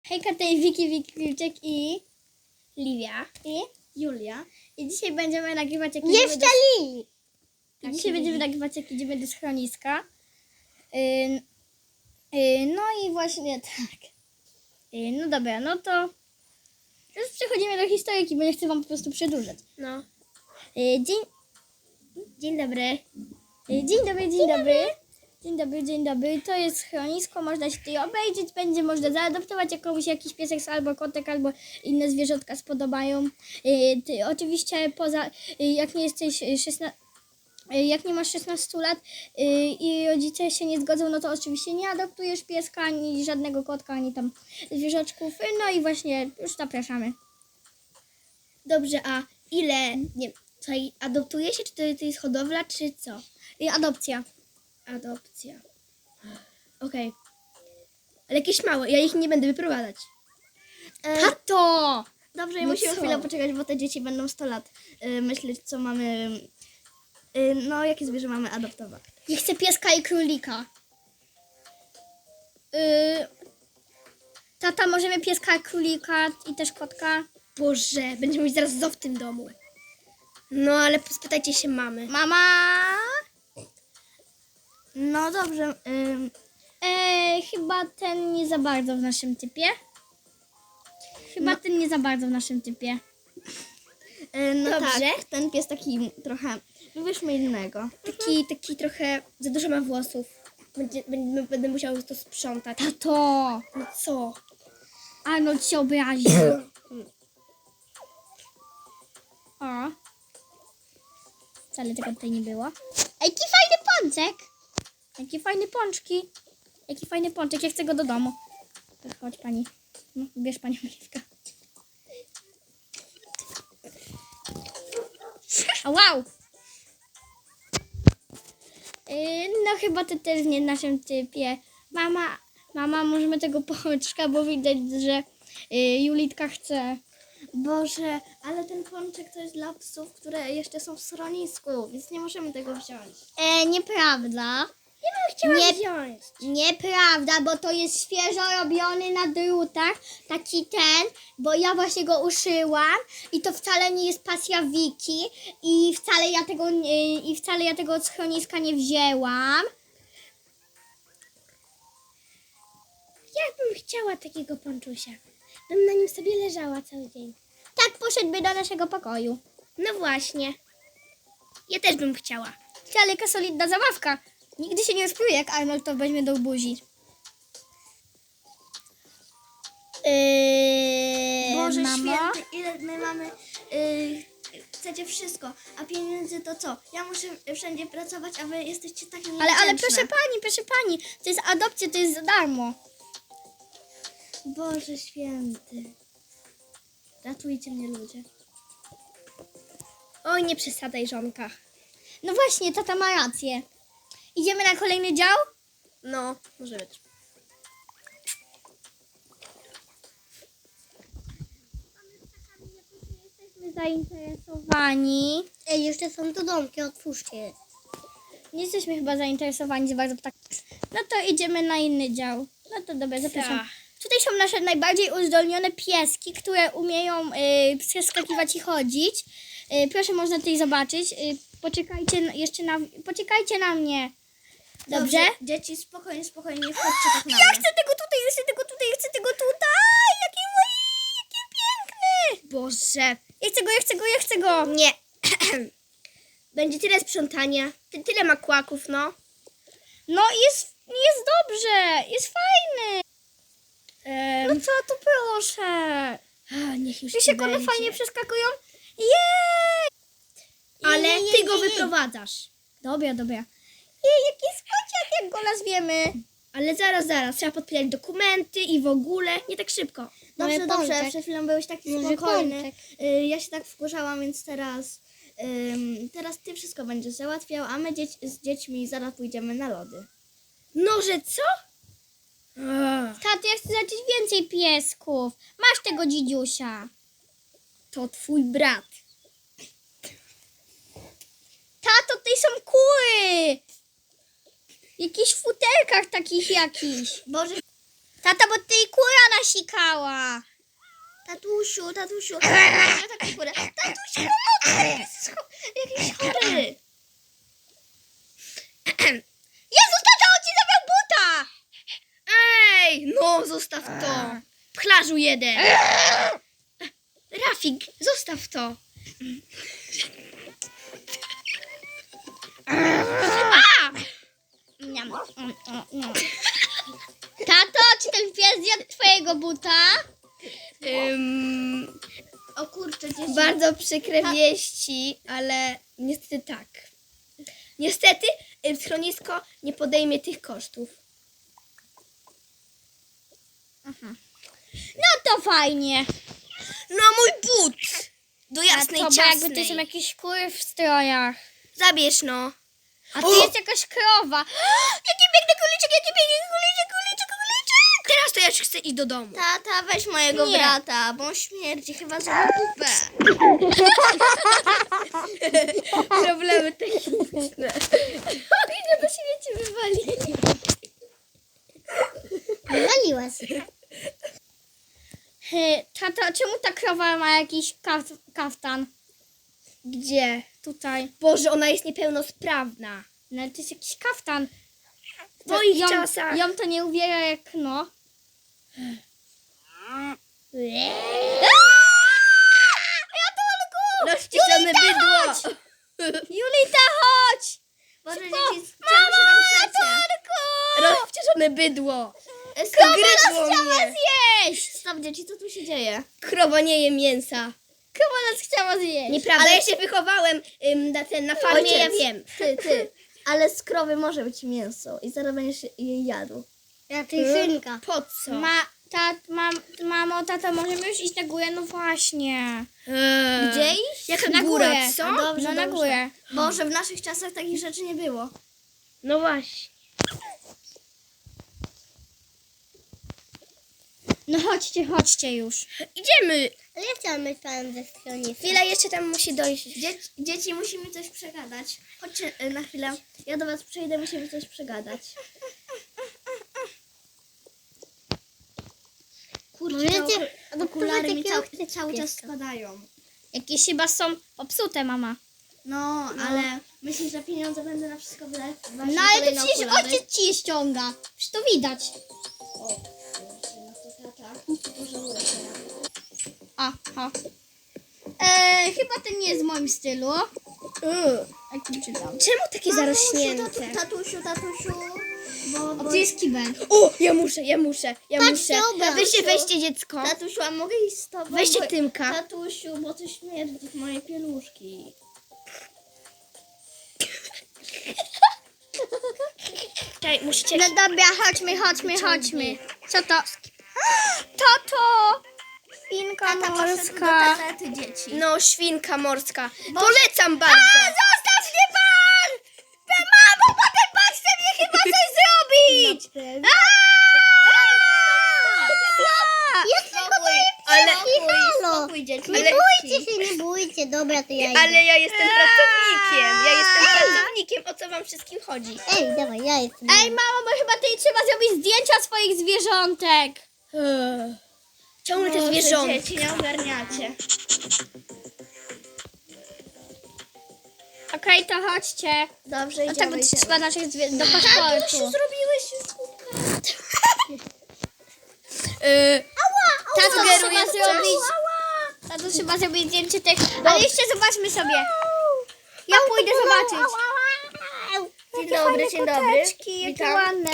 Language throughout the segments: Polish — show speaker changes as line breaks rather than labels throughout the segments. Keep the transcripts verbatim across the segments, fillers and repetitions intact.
Hejka, tutaj Wiki, Wiki, Wilczek i Livia i
Julia.
I dzisiaj będziemy nagrywać jak
Jeszcze
idziemy do...
Lili!
I
Tak,
dzisiaj
Lili.
będziemy nagrywać jak idziemy do schroniska. Ym, y, no i właśnie tak. Y, no dobra, no to już przechodzimy do historyki, bo nie chcę wam po prostu przedłużać.
No.
Y, dzień...
Dzień dobry.
Y, dzień dobry, dzień dobry. Dzień dobry, dzień dobry. To jest schronisko, można się tutaj obejrzeć, będzie można zaadoptować jakąś, jakiś piesek albo kotek, albo inne zwierzątka spodobają. Y, ty, oczywiście poza, y, jak nie jesteś szesnaście, y, jak nie masz szesnastu lat y, i rodzice się nie zgodzą, no to oczywiście nie adoptujesz pieska, ani żadnego kotka, ani tam zwierzaczków. Y, No i właśnie już zapraszamy.
Dobrze, a ile, nie tutaj adoptuje się, czy to, to jest hodowla, czy co?
Y, adopcja.
Adopcja. Okej. Ale jakieś małe, ja ich nie będę wyprowadzać.
E, Tato!
Dobrze,
no
musimy
co?
chwilę poczekać, bo te dzieci będą sto lat y, myśleć, co mamy, y, no jakie zwierzę mamy adoptować.
Ja chcę pieska i królika. Yy, tata, możemy pieska, królika i też kotka?
Boże, będziemy mieć zaraz zoo w tym domu. No, ale spytajcie się mamy.
Mama!
No dobrze, ym,
E, chyba ten nie za bardzo w naszym typie. Chyba
No.
ten nie za bardzo w naszym typie.
y, no
Dobrze.
tak, ten pies taki trochę, wybierzmy innego. Taki, taki trochę, za dużo ma włosów. Będzie, będę, będę musiał to sprzątać.
Tato!
No co?
Arnold się obraził. O. Wcale tego tutaj nie było. Ej, jaki fajny pączek! Jakie fajne pączki. Jaki fajny pączek, ja chcę go do domu. To chodź pani. No, bierz pani Oliwka. A wow! Yy, no chyba to też nie w naszym typie. Mama, mama, możemy tego pączka, bo widać, że yy, Julitka chce.
Boże, ale ten pączek to jest dla psów, które jeszcze są w schronisku, więc nie możemy tego wziąć.
E, nieprawda.
Ja bym chciała
Nie-
wziąć.
Nieprawda, bo to jest świeżo robiony na drutach, taki ten, bo ja właśnie go uszyłam i to wcale nie jest pasja Wiki i wcale ja tego nie, i wcale ja tego od schroniska nie wzięłam.
Ja bym chciała takiego pączusia. Bym na nim sobie leżała cały dzień.
Tak poszedłby do naszego pokoju.
No właśnie. Ja też bym chciała.
Ale jaka solidna zabawka. Nigdy się nie rozpluje, jak Arnold to weźmie do buzi. Yy,
Boże
mamo?
święty, ile my mamy... Yy, chcecie wszystko, a pieniędzy to co? Ja muszę wszędzie pracować, a wy jesteście takie
Ale, ale
niewdzięczne.
proszę pani, proszę pani, to jest adopcja, to jest za darmo.
Boże święty. Ratujcie mnie, ludzie. Oj, nie przesadzaj, żonka.
No właśnie, tata ma rację. Idziemy na kolejny dział?
No, może być.
Jesteśmy zainteresowani.
Ej, jeszcze są tu domki, otwórzcie je.
Nie jesteśmy chyba zainteresowani za bardzo tak. No to idziemy na inny dział. No to dobra, zapraszam.
Tak.
Tutaj są nasze najbardziej uzdolnione pieski, które umieją y, przeskakiwać i chodzić. Y, proszę, można tutaj zobaczyć. Y, poczekajcie na- jeszcze na... Poczekajcie na mnie. Dobrze?
Dzieci, spokojnie, spokojnie, nie wchodźcie tak na
Ja
mnie.
chcę tego tutaj, ja chcę tego tutaj, ja chcę tego tutaj. Jaki mój, jaki piękny.
Boże.
Ja chcę go, ja chcę go, ja chcę go.
Nie. Będzie tyle sprzątania, ty, tyle makłaków, no.
No jest, jest dobrze, jest fajny.
Ehm,
No co tu proszę.
a, niech już
Wiesz
ci
jak one
będzie.
fajnie przeskakują? Jej!
Ale
Jej, jej,
ty go
jej, jej.
wyprowadzasz.
Dobra, dobra. Jej, jaki spociak, jak go nazwiemy.
Ale zaraz, zaraz, trzeba podpisać dokumenty i w ogóle, nie tak szybko. Dobrze,
Mamy
dobrze,
pączek.
przed chwilą byłeś taki
Może
spokojny.
pączek.
Y, ja się tak wkurzałam, więc teraz, ym, teraz ty wszystko będziesz załatwiał, a my dzieć, z dziećmi zaraz pójdziemy na lody. No, że co? Ach,
Tato, ja chcę zobaczyć więcej piesków. Masz tego dzidziusia.
to twój brat.
Tato, tutaj są kury. W jakichś futerkach takich jakichś.
Boże,
Tata, bo ty i kura nasikała.
Tatusiu, tatusiu. Ja taką skórę. Tatusiu, pomocy, jest cho- jakiś chory.
Jezus, tata, on ci zabrał buta!
Ej, no zostaw to. Pchlarzu jeden. Rafik, zostaw to.
Niam, mm, mm, mm. Tato, czy ten pies zjadł twojego buta?
Ym,
O kurczę, dzieci.
bardzo przykre wieści, ale niestety tak. Niestety y, schronisko nie podejmie tych kosztów.
No to fajnie.
No mój but! Do jasnej
Tato, bo
ciasnej.
jakby to są jakieś kury w strojach.
Zabierz no.
A tu
O!
jest jakaś krowa. Jaki piękny kuliczek, jaki piękny kuliczek, kuliczek, kuliczek.
Teraz to ja już chcę iść do domu.
Tata, weź mojego
Nie.
brata, bo on śmierdzi chyba za kupę.
Problemy techniczne.
Idę, bo się wiecie wywali.
Wywaliła się.
He, Tata, czemu ta krowa ma jakiś kaf kaftan?
Gdzie?
Tutaj.
Boże, ona jest niepełnosprawna.
No ale to jest jakiś kaftan.
W moich
ją,
czasach.
ją to nie uwiera jak no.
Rozciszone bydło.
Julita, chodź!
Boże,
Szybko.
dzieci, czemu się tam przecie?
Rozciszone bydło.
Krowa
Gryzło
nas chciała
mnie.
zjeść!
Stop, dzieci, co tu się dzieje?
Krowa nie je mięsa.
Krowa nas chciała zjeść.
Nieprawda. Ale ja się wychowałem ym, na, ten, na farmie,
Ojciec.
ja wiem.
Ty, ty. Ale z krowy może być mięso i zaraz będziesz jej jadł.
Ja
Hmm? Po co?
Ma, tat, mam, mamo, tata, możemy już iść na górę? No właśnie.
Eee.
Gdzie iść?
Jaka
Na
góra,
górę.
co?
No dobrze,
No na
dobrze.
górę.
Boże, w naszych czasach takich rzeczy nie było.
No właśnie.
No chodźcie, chodźcie już.
Idziemy.
Ale ja chciałam mieć pan ze schroniska.
Chwila jeszcze tam musi dojść.
Dzieci, dzieci, musimy coś przegadać. Chodźcie y, na chwilę. Ja do was przyjdę, musimy coś przegadać. Kurczę, te oku- okulary mi cały, cały czas spadają.
Jakieś chyba są popsute, mama.
No, ale myślisz, że pieniądze będę na wszystko wydawać?
No ale to przecież ojciec ci je ściąga. Przecież to widać. Aha. Eee, chyba ten nie jest w moim stylu.
Mm.
Jak ci czytam.
Czemu takie
Tatusiu,
zarośnięte?
tatusiu, tatusiu. Bo,
O,
bo,
tu jest kibel.
O, ja muszę, ja muszę, ja
Patrz,
muszę.
dobra.
Weźcie, weźcie dziecko.
tatusiu, a mogę iść z tobą?
Weźcie
Bo-
Tymka.
Tatusiu, bo to śmierdzi w moje pieluszki.
Czekaj, musicie...
No dobra, chodźmy, chodźmy, chodźmy. Co to? Tato! Świnka
Tata poszedł do
morska.
toalety, dzieci.
No, świnka morska. Polecam bardzo.
Zostaw mnie pan! Mamo, potem pan chce mnie chyba coś zrobić!
Spokój,
Ale,
spokój, spokój, dzieci.
ale,
się, nie bójcie. Dobra, to ja
ale ja jestem pracownikiem. Ja jestem pracownikiem. O co wam wszystkim chodzi?
Ej, dawaj, ja jestem.
Ej, mamo, bo chyba tej trzeba zrobić zdjęcia swoich zwierzątek.
Ciągle te
Boże,
zwierzątka.
dzieci, nie ogarniacie.
Okej, to chodźcie.
Dobrze,
No tak,
idziemy,
bo
idziemy.
trzeba naszych zwierząt do
Tatusiu,
paszportu.
zrobiłeś słupkę.
Yy,
Tato,
Sugeruję
trzeba
coś?
zrobić... Tato, trzeba zrobić zdjęcie tych... Ale jeszcze zobaczmy sobie. Ja pójdę zobaczyć.
Dzień dobry, dzień dobry.
Koteczki, jakie
Witam.
ładne.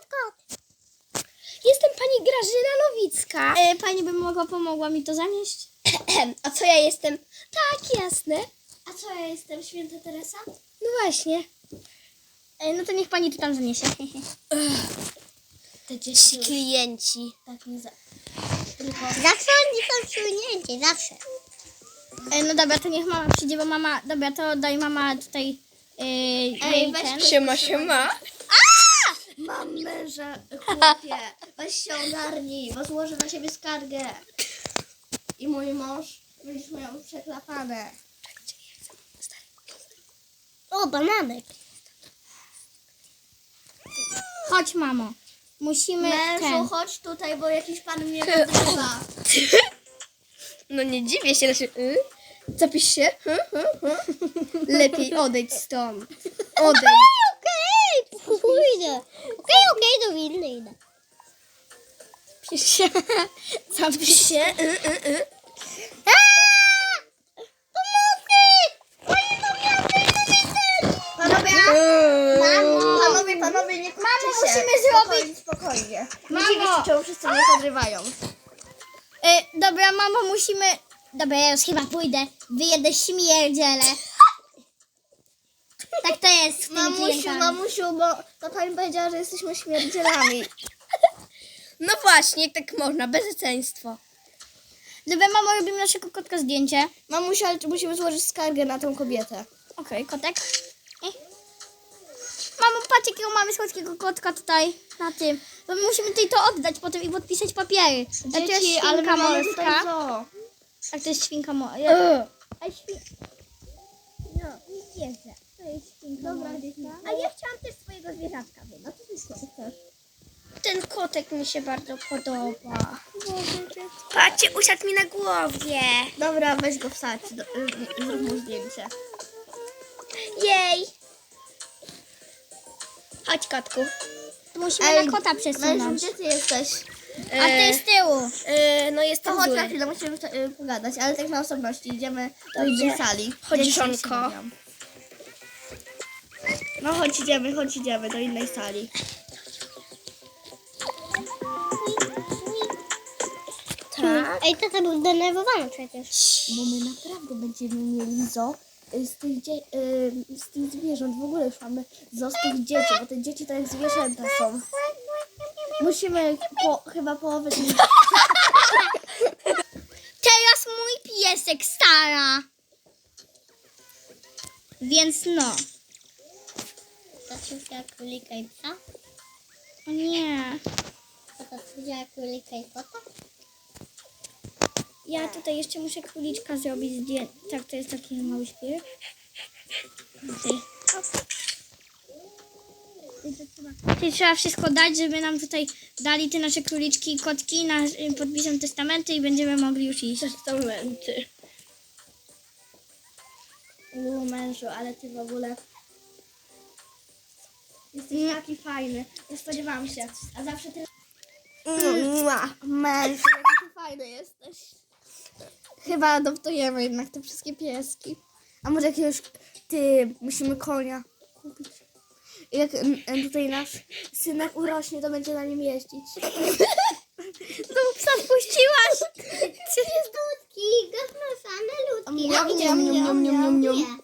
jestem pani Grażyna Nowicka.
E, pani by mogła pomogła mi to zanieść?
A co ja jestem? Tak, jasne.
A co, ja jestem święta Teresa?
No właśnie.
E, no to niech pani to tam zaniesie.
Te dzieci
Ci klienci.
tak nie za...
Zawsze oni są przyjęci, zawsze. E, no dobra, to niech mama przyjdzie, bo mama... Dobra, to daj mama tutaj... E, jej
weź
ten.
Siema, siema.
Mam męża, chłopie. Weź się ogarnij, bo złożę na siebie skargę. I mój mąż będziesz miał przeklapane.
O, bananek. Chodź, mamo. musimy
Mężu,
ten.
chodź tutaj, bo jakiś pan mnie podrywa.
No nie dziwię się, znaczy, y? Zapisz się? Hm, hm, hm. Lepiej odejdź stąd. Odejdź.
Okej, pójdę. Okej, okej, do winny idę. Pisz się.
Zapisz się. Y, y, y.
Panowie, panowie, panowie, nie kłóćcie
Mamo,
się.
musimy
Spokojnie, spokojnie. Nie dziwię się, czemu wszyscy mnie podrywają.
Y, dobra, mamo, musimy... Dobra, ja już chyba pójdę. Wyjedę śmierdziele. Tak to jest z tymi
Mamusiu,
klientami.
mamusiu, bo ta pani powiedziała, że jesteśmy śmierdzielami.
No właśnie, tak można, bezeceństwo.
Dobra, mamo, robimy naszego kotka zdjęcie.
Mamusiu, ale musimy złożyć skargę na tą kobietę.
Okej, kotek. Eh. Mamo, patrz jakiego mamy słodkiego kotka tutaj na tym. Bo my musimy tutaj to oddać potem i podpisać papiery. A to jest
Dzieci, ale
świnka
my mamy tutaj
morska.
co?
Tak, to jest świnka morska.
Y.
A świn... No, nie wierzę. To jest świnka morska. A ja chciałam też swojego zwierzaczka wiedzieć. A co ty chcesz?
Ten kotek mi się bardzo podoba. Patrzcie, usiadł mi na głowie.
Dobra, weź go wsadź, do, y, zrób mu zdjęcie.
Jej. Chodź, kotku.
Musimy
Ej,
na kota
Mężu,
przesunąć.
gdzie ty jesteś?
A ty z tyłu.
E, no
To
jestem
chodź na
zły.
chwilę, musimy y, pogadać, ale tak na osobności. Idziemy do
Dobrze.
innej sali.
Chodź,
Dzieci
żonko.
się bawią. No chodź, idziemy, chodź, idziemy do innej sali.
Tak.
Ej, tata był denerwowany przecież.
Bo my naprawdę będziemy mieli zo y, z tych, dzie- y, z tych zwierząt. W ogóle już mamy zo z tych dzieci, bo te dzieci to jak zwierzęta są. Musimy po, chyba połowę z nich...
Teraz mój piesek stara. Więc no.
To wzięła królika i psa?
O nie.
To to wzięła królika i kota?
Ja tutaj jeszcze muszę króliczka zrobić zdjęcie. Tak, to jest taki mały śpiew. Czyli trzeba wszystko dać, żeby nam tutaj dali te nasze króliczki i kotki, na, podpiszą testamenty i będziemy mogli już iść.
Testamenty.
U mężu, ale ty w ogóle... Jesteś taki fajny. Nie spodziewałam się. A zawsze ty... Mua, mężu, jaki ty fajny jesteś. Chyba adoptujemy jednak te wszystkie pieski. A może jakiegoś... Ty, musimy konia kupić. Jak mm, tutaj nasz synek urośnie, to będzie na nim jeździć.
No psa wpuściłaś!
Ludki, gofnosane ludki.
Miam, miam, miam, miam, miam, miam.
Nie.